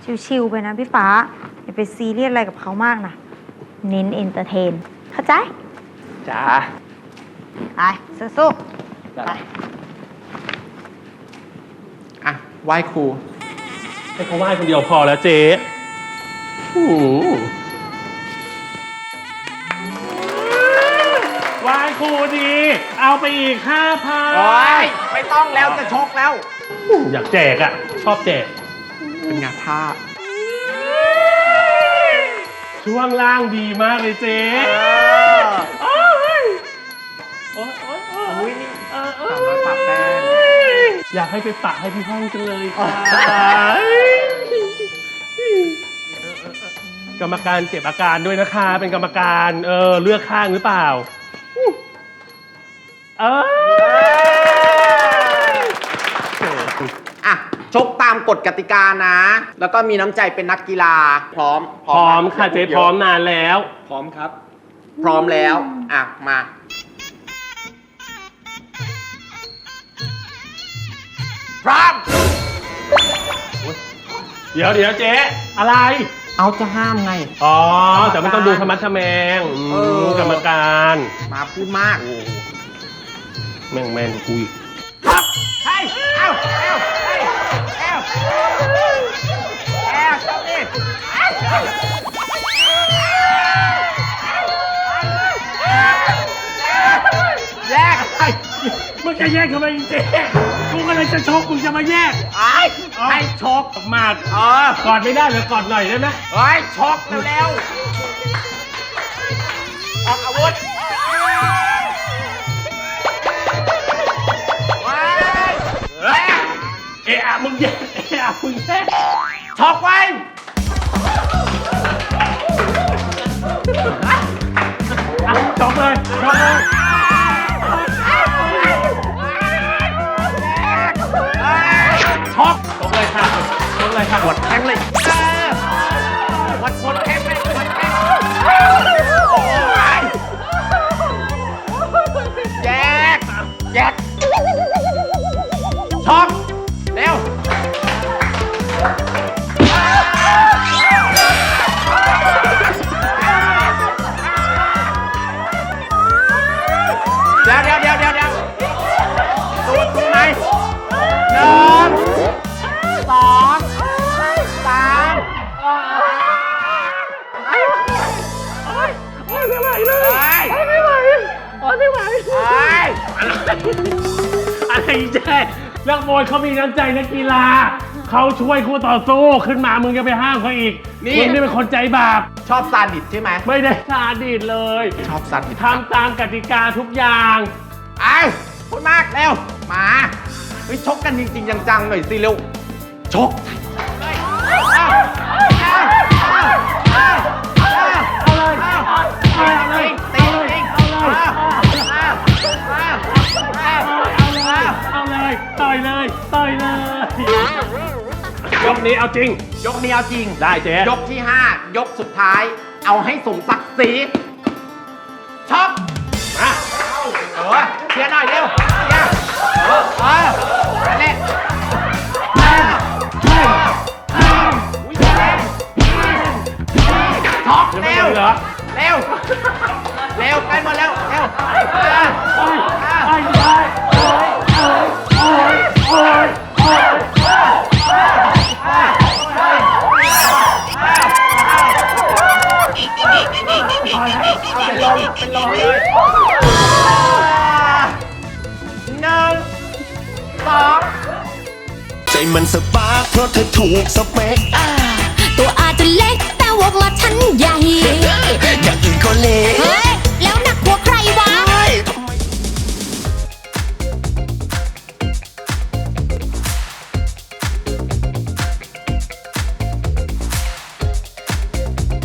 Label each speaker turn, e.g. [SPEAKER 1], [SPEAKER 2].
[SPEAKER 1] ชิวๆไปนะพี่ฟ้าอย่าไปซีเรียสอะไรกับเขามากนะเน้นเอนเตอร์เทนเข้าใจ
[SPEAKER 2] จ้า
[SPEAKER 1] ไปสู้ๆไป
[SPEAKER 2] อ่ะไหว้ครู
[SPEAKER 3] ให้เขาไหว้คนเดียวพอแล้วเจ๊ไหว้ครูดีเอาไปอีก5,000
[SPEAKER 2] โอ้ยไม่ต้องแล้วจะชกแล้ว
[SPEAKER 3] อยากแจกอ่ะชอบแจก
[SPEAKER 2] เป็นงานท่า
[SPEAKER 3] ช่วงล่างดีมากเลยเจ๊โอ้ย
[SPEAKER 2] อุ้ยนี่300ปะแป้ง
[SPEAKER 3] อยากให้ไปปะให้พี่ห้องจังเลยค่ะกรรมการเก็บอาการด้วยนะคะเป็นกรรมการเลือกข้างหรือเปล่า
[SPEAKER 2] อ่ะชกตามกฎกติกานะแล้วก็มีน้ำใจเป็นนักกีฬาพร้อม
[SPEAKER 3] ค่ะเจ๊พร้อมนานแล้ว
[SPEAKER 2] พร้อมครับพร้อมแล้วอ่ะมาพร้อม
[SPEAKER 3] เดี๋ยวเจ๊อะไร
[SPEAKER 2] เอาจะห้ามไง
[SPEAKER 3] อ๋อแต่มันต้องดูธรรมะทแมงกรรมการ
[SPEAKER 2] มาพูดมาก
[SPEAKER 3] แม่งคุย
[SPEAKER 2] ครับเฮ้ยเอ้าเจ้าดิแยก
[SPEAKER 3] ไอ้มึงจะแยกทำไมเจ๊กูกำลังจะชกมึงจะมาแยก
[SPEAKER 2] ให้ชก
[SPEAKER 3] มากกอดไม่ได้หรือกอดหน่อยได้ไหม
[SPEAKER 2] ชกเร็วๆออกอาวุธ
[SPEAKER 3] มึงแยก
[SPEAKER 2] ชกไว้
[SPEAKER 3] ชกเลยค่ะ
[SPEAKER 2] หมดแข้งเลยหมดแข้งเลยแยกช็อกเร็วเดี๋ยวตัวไหน1 2 3
[SPEAKER 3] ไม่ไหวเลยไม่ไหวอะไรเจ๊นักมวยเขามีน้ำใจนักกีฬาเขาช่วยคู่ต่อสู้ขึ้นมามึงจะไปห้ามเขาอีกมึงนี่เป็นคนใจบาป
[SPEAKER 2] ชอบซาดิสใช่ไหม
[SPEAKER 3] ไม่ได้ซาดิสเลย
[SPEAKER 2] ชอบซาดิส
[SPEAKER 3] ทำตามกติกาทุกอย่าง
[SPEAKER 2] พูดมากเร็วมาชกกันจริงๆจังๆหน่อยสิเร็วชก
[SPEAKER 3] ต่อยเลยยกนี้เอาจริงได้เจ๊
[SPEAKER 2] ยกที่5ยกสุดท้ายเอาให้สมศักดิ์ศรีช็อปมาเชียร์หน่อยเร็วเชียร์เล่นช็อปเร็วใกล้หมดแล้วเร็วเป็นลมเลย1 2
[SPEAKER 4] ใจมันสปาร์คเพราะเธอถูกสเปค